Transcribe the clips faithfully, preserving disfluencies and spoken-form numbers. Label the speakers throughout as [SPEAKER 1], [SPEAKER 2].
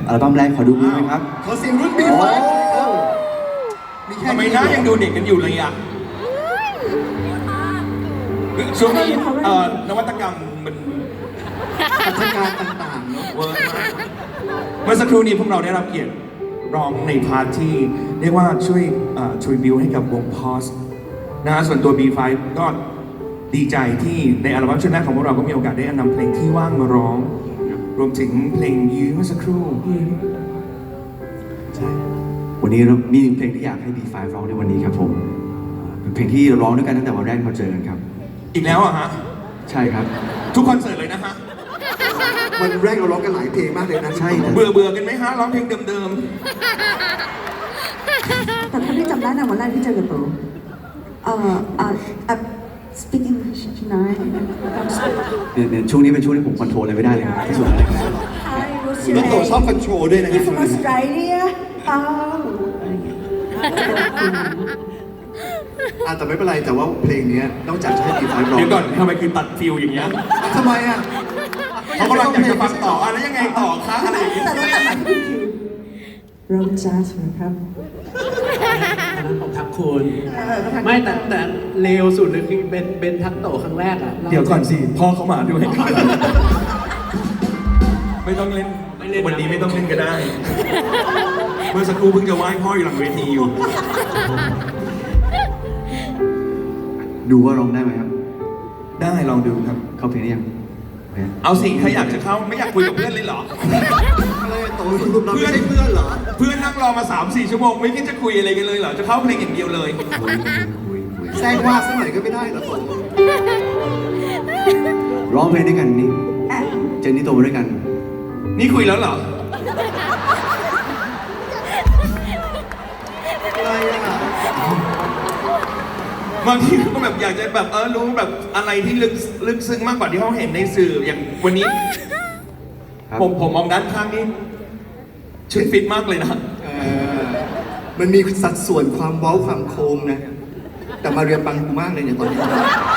[SPEAKER 1] อัลบั้มแรกขอดูมือไหมครับ
[SPEAKER 2] ขอเสียงรุ่น บี ไฟว์ มีแค่
[SPEAKER 3] ทำไมหน้ายังดูเด็กกันอยู่เลยอ่ะช่วงนี้เอ่อนวัตกรรมมัน
[SPEAKER 2] พัฒนาการต่างๆเนาะ
[SPEAKER 3] เวิร์กมากเมื่อสักครู่นี้พวกเราได้รับเกียรติร้องในพาร์ทที่เรียกว่าช่วยทริบิวให้กับวงพอสนะฮะส่วนตัว บี ไฟว์ ก็ดีใจที่ในอัลบั้มชุดแรกของพวกเราก็มีโอกาสได้นำเพลงที่ว่างมาร้อง รวมถึงเพลงยื้อเมื่อสักครู่
[SPEAKER 1] ใช่วันนี้เรามีหนึ่งเพลงที่อยากให้ บี ไฟว์ ร้องในวันนี้ครับผมเป็นเพลงที่ร้องด้วยกันตั้งแต่วันแรกที่เราเจอกันครับ
[SPEAKER 3] อีกแล้วอ่ะฮะ
[SPEAKER 1] ใช่ครับ
[SPEAKER 3] ทุกคอนเสิร์ตเลยนะฮะ
[SPEAKER 2] วันแรกเราร้องกันหลายเพลงมากเลยนะ
[SPEAKER 1] ใช่
[SPEAKER 3] เบื่อเบื่อกันไหมฮะร้องเพลงเดิม
[SPEAKER 4] แต่ถ้าพี่จำได้นะวันแรกที่เจอกับโตเอ่อเอ่อเอ่อ speak English tonight
[SPEAKER 1] เนี่ยเนี่ยช่วงนี้เป็นช่วงที่ผมคอนโทรลอะไรไม่ได้เลยครับที่สุดแล้วเลย
[SPEAKER 4] Hi what's
[SPEAKER 2] น้อง
[SPEAKER 4] your
[SPEAKER 2] โต
[SPEAKER 4] name
[SPEAKER 2] ชอบคอนโทรลด้วยนะ
[SPEAKER 4] You from Australia อ้าวอะไรอย่างเงี้ย
[SPEAKER 2] อ่ะแต่ไม่เป็นไรแต่ว่าเพลงนี้นอกจากจะให้ บี ไฟว์
[SPEAKER 3] ๆ
[SPEAKER 2] ร้อง
[SPEAKER 3] เดี๋ยวก่อนทำไมคือตัดฟิลอย่างเงี้ย
[SPEAKER 2] ทำไมอ่ะ
[SPEAKER 3] เขากำลังอยากจะฟังต่ออะไรยังไงต่อคะอะไรอย่างเงี้ย
[SPEAKER 4] แต่เราตัดมาที่คิวเราจ้าสวยครับ
[SPEAKER 5] อันนั้นของทักคุณไม่แต่แต่เลวสุดเลยคือเป็นเป็นทักโตครั้งแรกอ่ะ
[SPEAKER 3] เดี๋ยวก่อนสิพ่อเขามาด้วย ไม่ต้องเล่นวันนี้ไม่ต้องเล่นก็ได้ เมื่อสักครู่เพิ่งจะไหว้พ่ออยู่หลังเวทีอยู่
[SPEAKER 1] ดูว่าร้องได้ไหมครับ
[SPEAKER 3] ได้ลองดูครับ
[SPEAKER 1] เข้าเพลงได้ยังโอเค
[SPEAKER 3] เอาสิใครอยากจะเข้าไม่อยากคุยกับเพื่อนเลยเหรอ
[SPEAKER 2] อะไรโตสรุปเราไม่ใช่เพื่อนเหรอ
[SPEAKER 3] เพื่อนนั่งรอมา สามสี่ ชั่วโมงไม่คิดจะคุยอะไรกันเลยเหรอ จะเข้าเพลงอย่างเดียวเลย
[SPEAKER 1] คุยคุยคุยคุย
[SPEAKER 2] แซงว่าสักหน่อยก็ไม่ได้เหรอโต
[SPEAKER 1] ร้องเพลงด้วยกันนี่เจนนี่โตมาด้วยกัน
[SPEAKER 3] นี่คุยแล้วเหรอ
[SPEAKER 2] อะไรอ่ะ
[SPEAKER 3] บางทีก็แบบอยากจะแบบเออรู้แบบอะไรที่ลึกลึกซึ้งมากกว่าที่เขาเห็นในสื่ออย่างวันนี้
[SPEAKER 1] ครับ
[SPEAKER 3] ผมผมมองด้านข้างนี่ชุดฟิตมากเลยนะ
[SPEAKER 2] เออมันมีสัดส่วนความเว้าความโค้งนะ แต่มาเรียปังกูมากเลยเนี่ยตอนนี้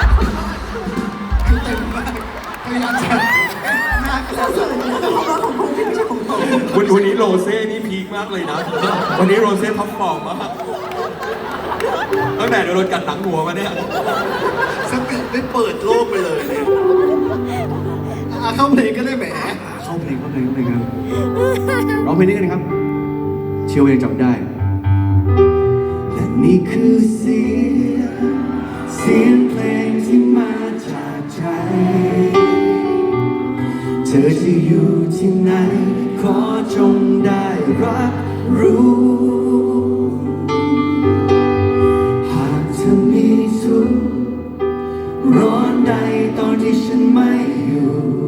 [SPEAKER 2] เต็มมากพยายามจะหน้ากระ
[SPEAKER 4] ส่วนนี้คือของเราของผมที่ไม่ใช่ของโต
[SPEAKER 3] วันวันนี้โรเซ่นี่พีคมากเลยนะ วันนี้โรเซ่ท็อปฟอร์มมากตั้งแต่โดนกัดหลังหัวมาเนี่ย
[SPEAKER 2] สติได้เปิดโลกไปเลยเนี่ยอ่ะเข้าเพลงก็ได้แหม
[SPEAKER 1] เข้าเพลงเข้าเพลงเข้าเพลงครับร้องเพลงนี้กันครับ เชื่อว่ายังจำได้ และนี่คือเสียงเสียงเพลงที่มาจากใจ เธอจะอยู่ที่ไหนขอจงได้รับรู้ หากเธอมีทุกข์ร้อนใดตอนที่ฉันไม่อยู่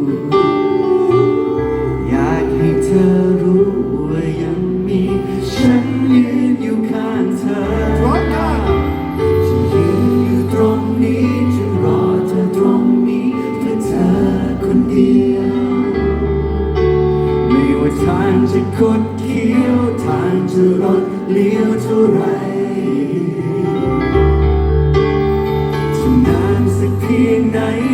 [SPEAKER 1] อยากให้เธอรู้ว่ายังมีฉันยืนอยู่ข้างเธอ
[SPEAKER 2] ร้อยเก้า
[SPEAKER 1] จะยืนอยู่ตรงนี้จะรอเธอตรงนี้เพื่อเธอคนเดียว ไม่ว่าทางจะคดเคี้ยวทางจะรดเลี้ยวเท่าไรจะนานสักเพียงไหน